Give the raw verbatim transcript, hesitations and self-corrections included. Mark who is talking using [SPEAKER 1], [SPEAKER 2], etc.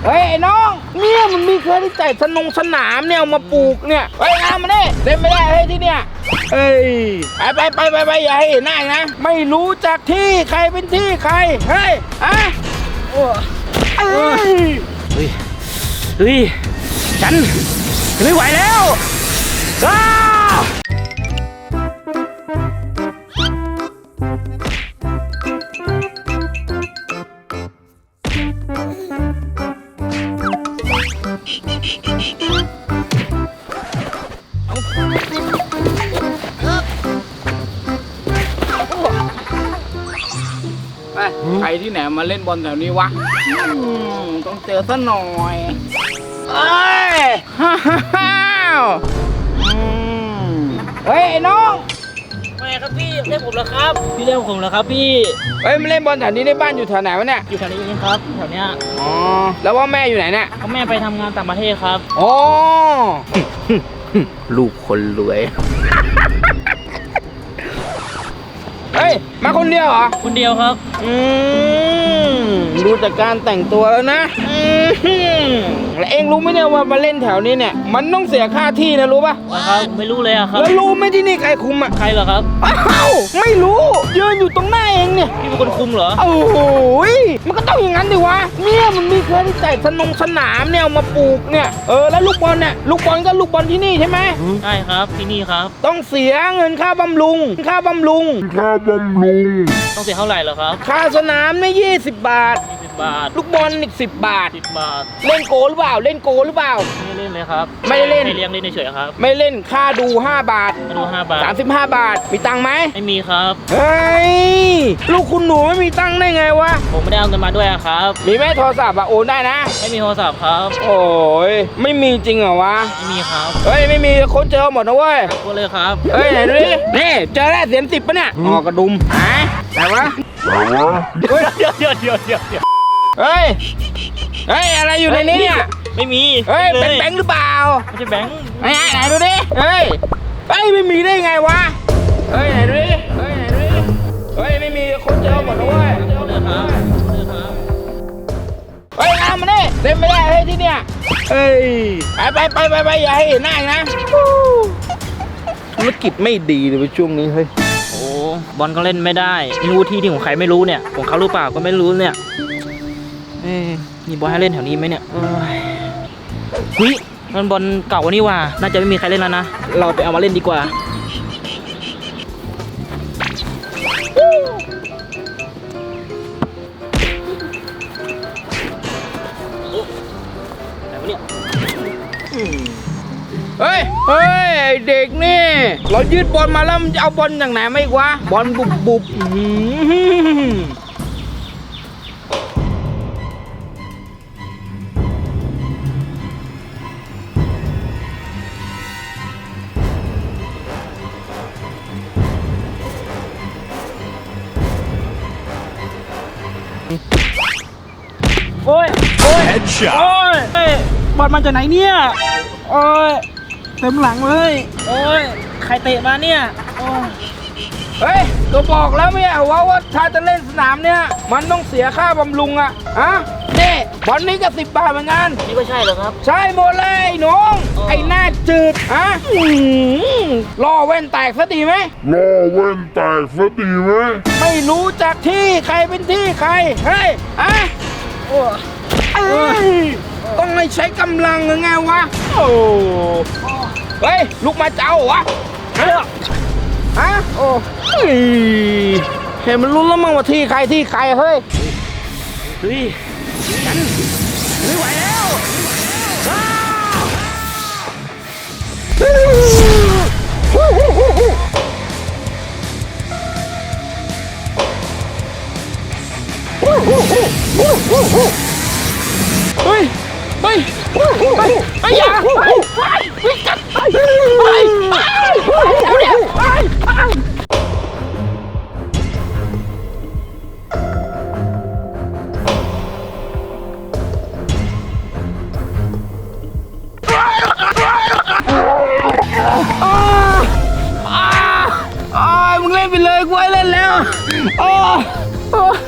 [SPEAKER 1] เฮ้ยไอ้น้องเนี่ยมันมีเคยที่จ่ายสนงสนามเนี่ยมาปลูกเนี่ยเฮ้ยงานมาเนี่ยเล่นไม่ได้เฮ้ยที่เนี่ยเฮ้ยไปไปไปไปอย่าให้เห็นหน้านะไม่รู้จักที่ใครเป็นที่ใครเฮ้ยอะเฮ้ยเฮ้ยเฮ้ยฉันไม่ไหวแล้วอ้าใครที่ไหนมาเล่นบอลแถวนี้วะต้องเจอซะหน่อยเอ้ยฮ่าฮ่าฮ่าเฮ้ยไอ้น้อง
[SPEAKER 2] ไม่ครับพี่เล่นผมเหรอครับพี่เล่นผมเหรอครับพี่
[SPEAKER 1] เฮ้ยมาเล่นบอลแถวนี้ในบ้านอยู่แถวไหนวะเนี่ย
[SPEAKER 2] อยู่แถวนี้เองครับแถวเนี้ย
[SPEAKER 1] อ๋อแล้วว่าแม่อยู่ไหนเนี่ย
[SPEAKER 2] เขาแม่ไปทำงานต่างประเทศครับ
[SPEAKER 1] อ๋อลูกคนรวยเฮ้ยมาคนเดียวเหรอ
[SPEAKER 2] คนเดียวครับ
[SPEAKER 1] อืมดูจากการแต่งตัวแล้วนะอืมแล้วเองรู้ไหมเนี่ยว่ามาเล่นแถวนี้เนี่ยมันต้องเสียค่าที่นะรู้ป่ะ
[SPEAKER 2] ครับไม่รู้เลยอะครับ
[SPEAKER 1] แล้วรู้ไหมที่นี่ใครคุมอะ
[SPEAKER 2] ใครเหรอครับ
[SPEAKER 1] อ้าวไม่รู้ยืนอยู่ตรงหน้าเองเนี่ย
[SPEAKER 2] พี่เป็นคนคุมเหรอ
[SPEAKER 1] โอ้โหมันก็ต้องอย่างนั้นดิวะเนี่ยมันมีเคยที่จ่ายสนงสนามเนี่ยมาปลูกเนี่ยเออแล้วลูกบอลเนี่ยลูกบอลก็ลูกบอลที่นี่ใช่ไหม
[SPEAKER 2] ใช่ครับที่นี่ครับ
[SPEAKER 1] ต้องเสียเงินค่าบำรุงค่าบำรุง
[SPEAKER 3] ค่าบำรุง
[SPEAKER 2] ต้องเสียเท่าไหร่เหรอครับ
[SPEAKER 1] ค่าสนามเนี่ยยี่สิบบาท
[SPEAKER 2] ยี่สิบบาท
[SPEAKER 1] ลูกบอลอีกสิบบาท
[SPEAKER 2] สิบบาท
[SPEAKER 1] เล่นโกหรือเปล่าเล่นโกหรือเปล่า
[SPEAKER 2] ไม่เล่นเลยครับ
[SPEAKER 1] ไม่เล่น
[SPEAKER 2] ไม่เลี้ยงเล่นเฉยๆครับ
[SPEAKER 1] ไม่เล่นค่าดูห้าบาท
[SPEAKER 2] ดูห้าบาท
[SPEAKER 1] สามสิบห้าบาทมีตังค์ไหม
[SPEAKER 2] ไม่มีครับ
[SPEAKER 1] เฮ้ยลูกคุณหนูไม่มีตังค์ได้ไงวะ
[SPEAKER 2] ผมไม่ได้เอาเงินมาด้วยครับ
[SPEAKER 1] มีไหมโทรศัพท์อะโอนได้นะ
[SPEAKER 2] ไม่มีโทรศัพท์ครับ
[SPEAKER 1] โอ้ยไม่มีจริงเหรอวะ
[SPEAKER 2] ไม่มีครับ
[SPEAKER 1] เฮ้ยไม่มีคนเจอหมดนะเว้ย
[SPEAKER 2] คนเลยครับ
[SPEAKER 1] เฮ้ยไหนดูดินี่เจอแล้วเสียงสิบปะเนี่ยอ๋อกระดุมหายไหนวะ
[SPEAKER 2] เฮ้ยเดี๋ยวเดี๋ยวเดี๋ยวเดี๋ยว
[SPEAKER 1] เฮ้ยเฮ้ยอะไรอยู่ในนี้เนี่ย
[SPEAKER 2] ไม่มี
[SPEAKER 1] เฮ้ยเป็นแบงค์หรือเปล่า
[SPEAKER 2] ไม่ใช่แบงค์
[SPEAKER 1] ไหนไหนดูดิเฮ้ยเฮ้ยไม่มีได้ไงวะเฮ้ยไหนดูดิเฮ้ยไหนดูดิเฮ้ยไม่มีคนเจอหมดนะเว้ย
[SPEAKER 2] คนเลยครับคนเลยครับ
[SPEAKER 1] เฮ้ยงานมาเนี่ยเล่นไม่ได้เฮ้ยที่เนี่ยเฮ้ยไปไปไปไปอย่าให้เห็นหน้านะธุรกิจไม่ดีเลยช่วงนี้เฮ้ย
[SPEAKER 2] โอ้บอลก็เล่นไม่ได้ไม่รู้ที่ที่ของใครไม่รู้เนี่ยของเขาหรือเปล่าก็ไม่รู้เนี่ยเอ้ยมีบอลให้เล่นแถวนี้ไหมเนี่ยเฮ้ยมันบอลเก่านี่ว่าน่าจะไม่มีใครเล่นแล้วนะเราไปเอามาเล่นดีกว่า
[SPEAKER 1] เฮ้ยเฮ้ยเด็กนี่เรายืดบอลมาแล้วมันจะเอาบอลอย่างไหนไม่วะบอลบุบบุบ
[SPEAKER 2] โอ้ยโอ้ยโอ้ยบอลมาจากไหนเนี่ยโอ้ยเต็มหลังเลยโอ้ยใครเตะมาเนี่ยโอ้ย
[SPEAKER 1] เฮ้ยก็บอกแล้วไม่ใช่ว่าว่าถ้าจะเล่นสนามเนี่ยมันต้องเสียค่าบำรุงอะฮะนี่บอลนี้ก็สิบบาทเหมือนกัน
[SPEAKER 2] นี่ก็ใช่เหรอครับ
[SPEAKER 1] ใช่หมดเลยน้องไอ้หน้าจืดฮะล่อแว่นแตกซะดีไหม
[SPEAKER 3] ล่อแว่นแตกซะดีไหม
[SPEAKER 1] ไม่รู้จักที่ใครเป็นที่ใครเฮ้ยอะต้องให้ใช้กำลังไงวะโอ้เฮ้ยลูกมาเจ้าวะฮะฮะโอ้เห็นมันรู้แล้วมั้งว่าที่ใครที่ใครเฮ้ยเฮ้ยกันไม่ไหวแล้วเฮ้ยเฮ้ยเฮ้ยเฮ้ยอย่าเฮ้ยเฮ้ยเฮ้ยจัดเฮ้ยเฮ้ยเดี๋ยวเดี๋ยวเฮ้ยมึงเล่นไปเลยกูให้เล่นแล้วโอ้